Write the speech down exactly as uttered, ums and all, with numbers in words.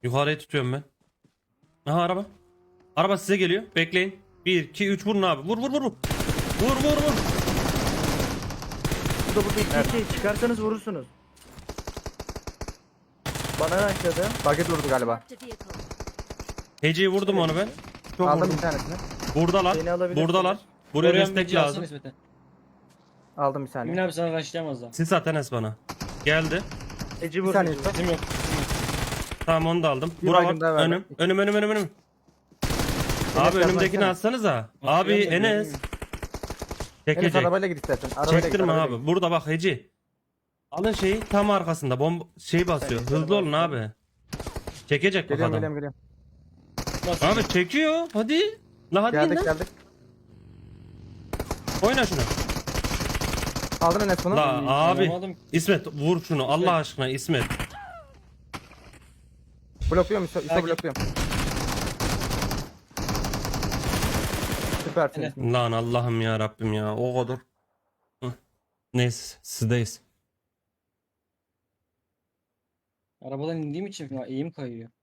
Yukarıyı tutuyorum ben. Aha araba. Araba size geliyor. Bekleyin. bir iki üç vurun abi. Vur vur vur. Vur vur vur. Bu da burada iki iki çıkarsanız vurursunuz. Bana açladı. Paket vurdu galiba. Marked a vehicle. Hece'yi vurdum onu ben. Çok Aldım Aldım bir bir tanesini. Buradalar. Beni alabilirsiniz. Buradalar. Buraya Oraya destek meci alsana lazım. İsmet'e. Aldım bir Emin saniye. abi sana raşlayamaz da. Siz zaten es bana. Geldi. Eci Bir vur. saniye Eci usta. vur. Bizim yok. Tamam onu da aldım. Bir Bura baygın daha var. verdim. Önüm. Önüm önüm önüm önüm. Abi Enes önümdekini yazmasana. atsanıza. Abi Atıyorum da Enes. görmüyorum. Enes Çekecek. arabayla git istersen. Arabayla Çektirme git, arabayla abi. git. Burada bak Heci. Alın şeyi tam arkasında. Bomba şey basıyor. Evet, Hızlı olun tamam. abi. Çekecek bak Geliyorum adam. geliyorum geliyorum. Nasıl? Abi çekiyor. Hadi. La hadi Geldik lan. geldik. Oyna şunu. Aldın Enes bunu. La abi. Alamadım. İsmet vur şunu Allah aşkına İsmet. Blokluyorum üstü, üstü Sakin. blokluyorum. Süpersin. Enes. Lan Allah'ım ya Rabbim ya o kadar. Hı. Neyse sizdeyiz. Arabadan indiğim için ya eğim kayıyor.